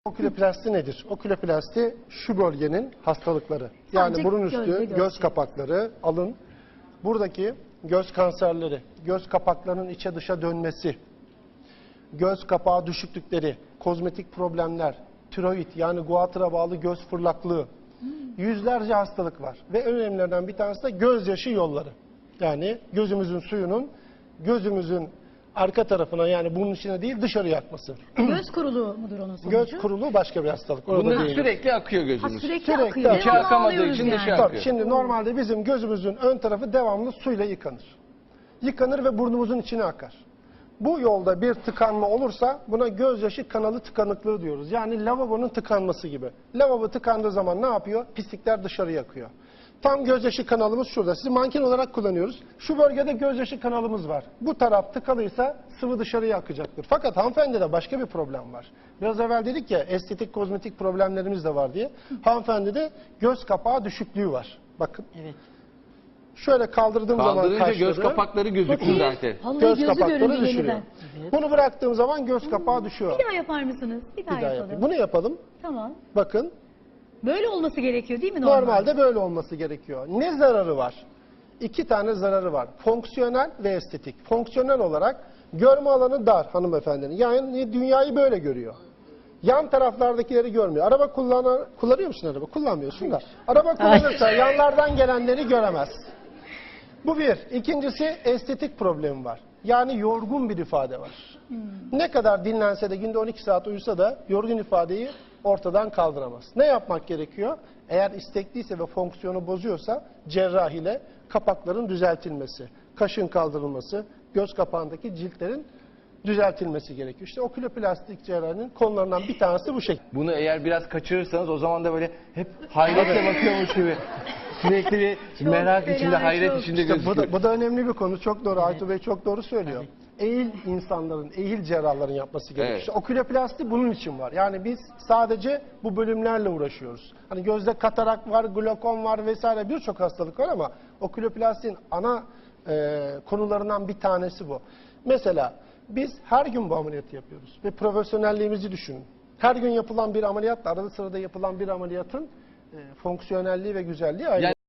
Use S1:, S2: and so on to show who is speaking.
S1: Oküloplasti nedir? Oküloplasti şu bölgenin hastalıkları. Yani
S2: Sadece
S1: burun üstü,
S2: gölge
S1: göz kapakları, alın. Buradaki göz kanserleri, göz kapaklarının içe dışa dönmesi, göz kapağı düşüklükleri, kozmetik problemler, tiroid yani guatıra bağlı göz fırlaklığı, yüzlerce hastalık var. Ve en önemlilerinden bir tanesi de gözyaşı yolları. Yani gözümüzün suyunun gözümüzün arka tarafına yani bunun içine değil dışarıya akması.
S2: Göz kuruluğu mudur onun sonucu?
S1: Göz kuruluğu başka bir hastalık. Orada
S3: Bunlar
S1: değil.
S3: sürekli akıyor
S2: Ha,
S3: gözümüz.
S2: sürekli
S1: Sürekli
S2: akıyor.
S1: akıyor.
S3: İçi
S2: Devamlı
S3: akamadığı
S2: ağlıyoruz
S3: için
S2: yani.
S3: dışarı
S1: Tabii,
S3: akıyor.
S1: şimdi normalde bizim gözümüzün ön tarafı devamlı suyla yıkanır. Yıkanır ve burnumuzun içine akar. Bu yolda bir tıkanma olursa buna gözyaşı kanalı tıkanıklığı diyoruz. Yani lavabonun tıkanması gibi. Lavabo tıkandığı zaman ne yapıyor? Pislikler dışarıya akıyor. Tam gözyaşı kanalımız şurada. Sizi manken olarak kullanıyoruz. Şu bölgede gözyaşı kanalımız var. Bu taraf tıkalıysa sıvı dışarıya akacaktır. Fakat hanımefendide başka bir problem var. Biraz evvel dedik ya estetik kozmetik problemlerimiz de var diye. Hanımefendide göz kapağı düşüklüğü var. Bakın.
S2: Evet.
S1: Şöyle kaldırdığım zaman
S3: Kaldırınca
S1: kaşları,
S3: göz kapakları gözükür zaten.
S2: Vallahi
S1: göz
S2: gözü
S1: kapakları
S2: göründü
S1: düşürüyor.
S2: yeniden.
S1: Bunu bıraktığım zaman göz kapağı düşüyor.
S2: Bir daha yapar mısınız? Bir daha,
S1: Bir daha
S2: yapalım.
S1: yapayım. Bunu yapalım.
S2: Tamam.
S1: Bakın.
S2: Böyle olması gerekiyor değil mi normalde?
S1: Normalde böyle olması gerekiyor. Ne zararı var? İki tane zararı var. Fonksiyonel ve estetik. Fonksiyonel olarak görme alanı dar hanımefendinin. Yani dünyayı böyle görüyor. Yan taraflardakileri görmüyor. Araba kullanıyor musun araba? Kullanmıyorsun da. Araba kullanırsa yanlardan gelenleri göremez. Bu bir. İkincisi estetik problemi var. Yani yorgun bir ifade var. Ne kadar dinlense de günde 12 saat uyusa da yorgun ifadeyi ortadan kaldıramaz. Ne yapmak gerekiyor? Eğer istekliyse ve fonksiyonu bozuyorsa cerrahiyle kapakların düzeltilmesi, kaşın kaldırılması, göz kapağındaki ciltlerin düzeltilmesi gerekiyor. İşte oküloplastik cerrahinin konularından bir tanesi bu şekilde.
S3: Bunu eğer biraz kaçırırsanız o zaman da böyle hep hayretle bakıyormuş gibi. Sürekli bir merak
S2: fena,
S3: içinde, hayret
S2: çok.
S3: içinde
S1: İşte
S3: gözüküyor.
S1: bu da önemli bir konu. Çok doğru. Aytu Bey çok doğru söylüyor. Eğil insanların, eğil cerrahların yapması gerekiyor.
S3: Evet.
S1: İşte oküloplasti bunun için var. Yani biz sadece bu bölümlerle uğraşıyoruz. Hani gözde katarak var, glokom var vesaire birçok hastalık var ama oküloplastin ana konularından bir tanesi bu. Mesela biz her gün bu ameliyatı yapıyoruz ve profesyonelliğimizi düşünün. Her gün yapılan bir ameliyatla arada sırada yapılan bir ameliyatın fonksiyonelliği ve güzelliği ayrı.